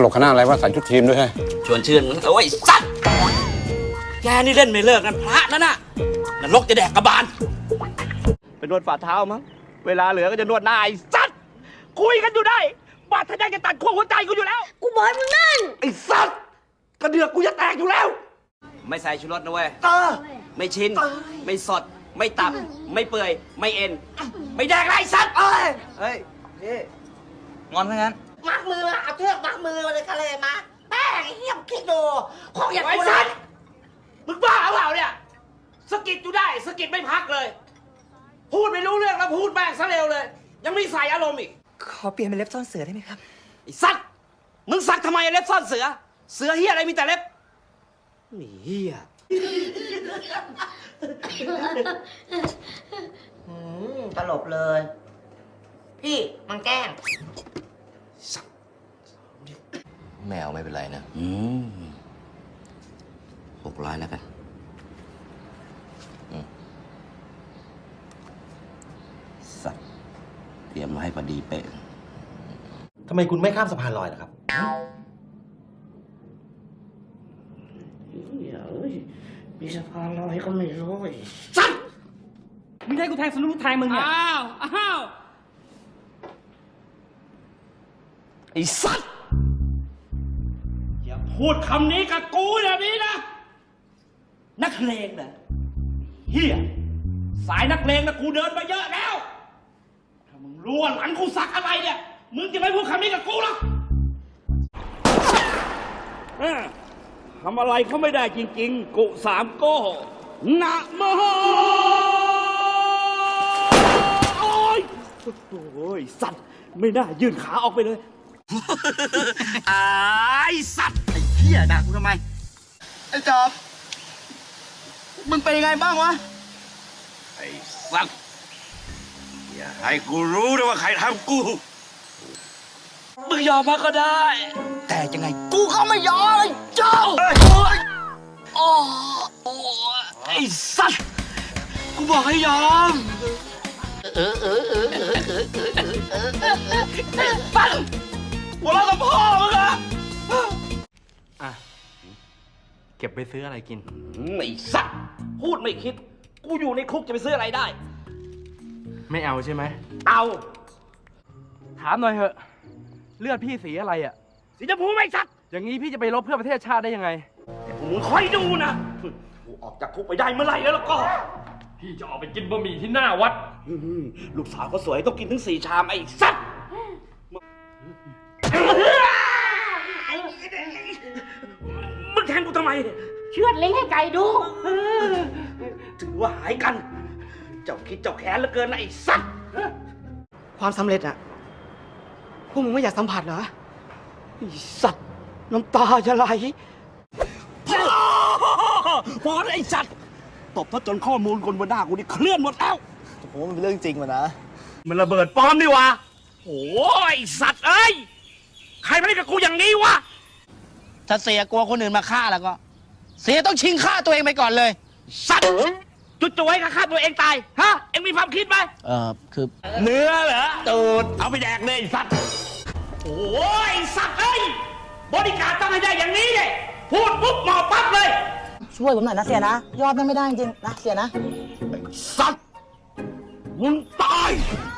หลบคณะอะไรว่าใส่ชุดทีมด้วยใช่ชวนชื่นโอ้ยสัตว์แกนี่เล่นไม่เลิกกันพระนั่นน่ะนรกจะแดกกระบาลไปนวดฝ่าเท้ามั้งเวลาเหลือก็จะนวดหน้าไอ้สัตว์คุยกันอยู่ได้บาดทะยักจะตัดขั้วหัวใจกูอยู่แล้วกูบอกมึงนั่นไอ้สัตว์กระเดือกกูจะแตกอยู่แล้วไม่ใส่ชูรสนะเว้ยไม่ชิ้นไม่สดไม่ตับไม่เปื่อยไม่เอ็นไม่แดกไรสัตว์เฮ้ยพี่งอนซะงั้นมัดมือเอาเชือกมัดมือมาเลยกันเลยมาแป้งไอ้เหี้ยมคิดดูของอย่างกูสัตว์มึงบ้าเปล่าเนี่ยสกิดอยู่ได้สกิดไม่พักเลยพูดไม่รู้เรื่องแล้วพูดแม่งซะเร็วเลยยังไม่ใส่อารมณ์อีกขอเปลี่ยนเป็นเล็บซ่อนเสือได้ไหมครับไอ้สัตว์มึงสักทำไมเล็บซ่อนเสือเสือเฮียอะไรมีแต่เล็บนี่เฮียตลบเลยพี่มันแกล้งแมวไม่เป็นไรนะ 600แล้วกันสัตว์เตรียมมาให้พอดีเป๊ะทำไมคุณไม่ข้ามสะพานลอยล่ะครับมีสะพานลอยก็ไม่รู้สัตว์มึงให้กูแทงสนุกแทงมึงเนี่ยอ้าวไอ้สัตว์อย่าพูดคำนี้กับกูแบบนี้นะนักเลงนะเฮียสายนักเลงนะกูเดินมาเยอะแล้วถ้ามึงรู้ว่าหลังกูสักอะไรเนี่ยมึงจะไม่พูดคำนี้กับกูหรอกทำอะไรเขาไม่ได้จริงๆกุสามโก้นะโมโอ้ยสัตว์ไม่น่ายื่นขาออกไปเลยไอ้สัตว์ไอ้เหี้ยด่ากูทำไมไอ้จอบมึงเป็นยังไงบ้างวะไอ้สัตว์อย่าให้กูรู้นะว่าใครทำกูมึงยอมมาก็ได้แต่ยังไงกูก็ไม่ยอมเจ้าโอ้ไอ้สัตว์กูบอกให้ยอมสัตว์หัวเราะกับพ่อมึงอะเก็บไปซื้ออะไรกินไอ้สัตว์พูดไม่คิดกูอยู่ในคุกจะไปซื้ออะไรได้ไม่เอาใช่ไหมเอาถามหน่อยเถอะเลือดพี่สีอะไรอ่ะสีชมพูไม่สัตว์อย่างนี้พี่จะไปรบเพื่อประเทศชาติได้ยังไงแต่มึงคอยดูนะกูออกจากคุกไปได้เมื่อไหร่แล้วก็พี่จะออกไปกินบะหมี่ที่หน้าวัดลูกสาวก็สวยต้องกินถึง4 ชามไอ้สัตว์มึงแทงกูทำไมเชือดลิงให้ไก่ดูถือว่าหายกันเจ้าคิดเจ้าแค้นเหลือเกินนะไอ้สัตว์ความสำเร็จอะพวกมึงไม่อยากสัมผัสเหรอไอ้สัตว์น้ำตาจะไหลพอไอ้สัตว์ตบถ้าจนข้อมูลคนบนหน้ากูนี่เคลื่อนหมดแล้วผมว่ามันเป็นเรื่องจริงวะนะมันระเบิดปลอมนี่วะโอ้ยสัตว์เอ้ยใครมาเล่นกับกูอย่างนี้วะถ้าเสียกลัวคนอื่นมาฆ่าแล้วก็เสียต้องชิงฆ่าตัวเองไปก่อนเลยสัตว์จุดไว้ฆ่าตัวเองตายฮะเอ็งมีความคิดไหมคือเนื้อเหรอตูดเอาไปแดกเลยสัตว์โอ้ยสัตว์เอ้ยบริการต้องให้ได้อย่างนี้เลยพูดปุ๊บหมอปั๊บเลยช่วยผมหน่อยนะเสียนะยอดไม่ได้จริงนะเสียนะสัตว์มึงตาย